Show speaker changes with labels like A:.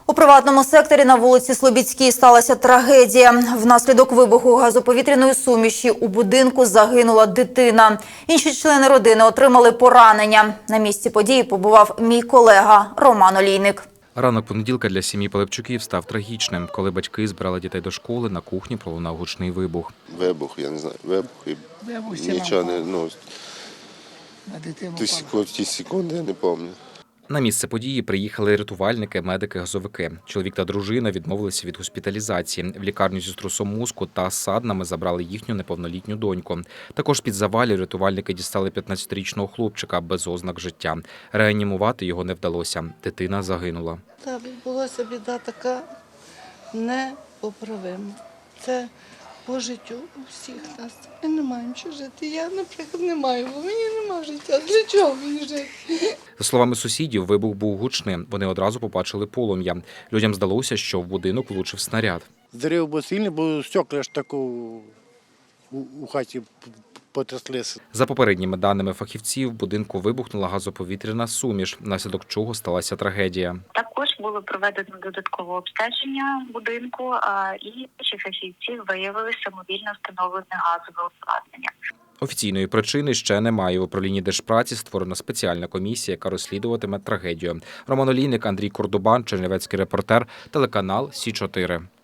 A: У приватному секторі на вулиці Слобідській сталася трагедія. Внаслідок вибуху газоповітряної суміші у будинку загинула дитина. Інші члени родини отримали поранення. На місці події побував мій колега Роман Олійник.
B: Ранок понеділка для сім'ї Пилипчуків став трагічним. Коли батьки збирали дітей до школи, на кухні пролунав гучний вибух.
C: Вибух, я не знаю, і нічого не, ті секунди я не пам'ятаю.
B: На місце події приїхали рятувальники, медики, газовики. Чоловік та дружина відмовилися від госпіталізації. В лікарню зі струсом мозку та саднами забрали їхню неповнолітню доньку. Також під завалів рятувальники дістали 15-річного хлопчика без ознак життя. Реанімувати його не вдалося. Дитина загинула.
D: Та відбулася біда така непоправима. Це по життю у всіх нас. Ми не маємо що жити. Я, наприклад, не маю, бо мені нема життя. Для чого мені жити?
B: За словами сусідів, вибух був гучним. Вони одразу побачили полум'я. Людям здалося, що в будинок влучив снаряд.
E: Зрив був сильний, бо стекла ж таку у хаті потряслися.
B: За попередніми даними фахівців, в будинку вибухнула газоповітряна суміш, внаслідок чого сталася трагедія.
F: Також було проведено додаткове обстеження будинку, і інші фахівці виявили самовільно встановлене газове обладнання.
B: Офіційної причини ще немає. В управлінні Держпраці створена спеціальна комісія, яка розслідуватиме трагедію. Роман Олійник, Андрій Кордубан, Чернівецький репортер, телеканал Сі 4.